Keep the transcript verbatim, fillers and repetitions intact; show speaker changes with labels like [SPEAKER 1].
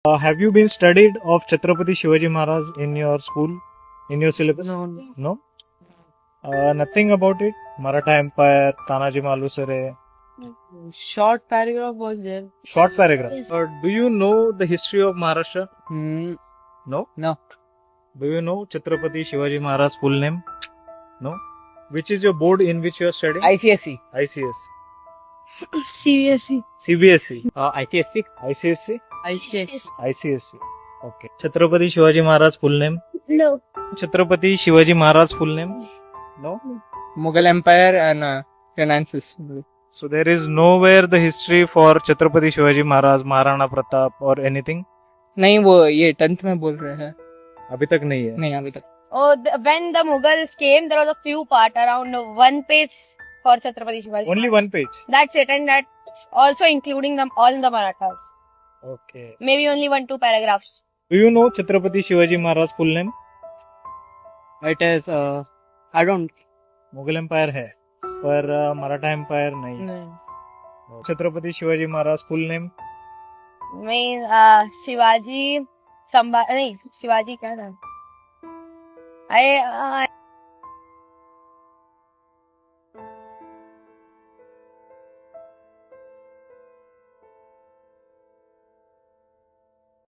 [SPEAKER 1] Uh, have you been studied of Chhatrapati Shivaji Maharaj in your school, in your syllabus?
[SPEAKER 2] No.
[SPEAKER 1] No? Uh, nothing about it? Maratha Empire, Tanaji Malusare.
[SPEAKER 2] Short paragraph was there.
[SPEAKER 1] Short paragraph. Uh, do you know the history of Maharashtra?
[SPEAKER 2] Hmm.
[SPEAKER 1] No?
[SPEAKER 2] No.
[SPEAKER 1] Do you know Chhatrapati Shivaji Maharaj full name? No? Which is your board in which you are studying?
[SPEAKER 2] I C S E.
[SPEAKER 1] I C S.
[SPEAKER 3] C B S E.
[SPEAKER 1] C B S E.
[SPEAKER 2] Uh, I C S E.
[SPEAKER 1] I C S E?
[SPEAKER 2] I C S E.
[SPEAKER 1] I C S E. Okay. Chhatrapati Shivaji Maharaj full name?
[SPEAKER 3] No.
[SPEAKER 1] Chhatrapati Shivaji Maharaj full name? No?
[SPEAKER 2] Mughal Empire and uh, finances.
[SPEAKER 1] So there is nowhere the history for Chhatrapati Shivaji Maharaj, Maharana Pratap or anything?
[SPEAKER 2] नहीं वो ये tenth में बोल रहे हैं.
[SPEAKER 1] अभी तक नहीं है.
[SPEAKER 2] नहीं अभी तक.
[SPEAKER 3] Oh, the, when the Mughals came, there was a few part around one page for Chhatrapati Shivaji.
[SPEAKER 1] Only one page.
[SPEAKER 3] That's it, and that also including them all in the Marathas.
[SPEAKER 1] Okay.
[SPEAKER 3] Maybe only one two paragraphs.
[SPEAKER 1] Do you know Chhatrapati Shivaji Maharaj full name?
[SPEAKER 2] It is uh, I don't.
[SPEAKER 1] Mughal empire है पर Maratha empire नहीं.
[SPEAKER 2] नहीं.
[SPEAKER 1] Chhatrapati Shivaji Maharaj full name?
[SPEAKER 3] मैं uh, Shivaji Sambha नहीं शिवाजी क्या नाम? I, uh,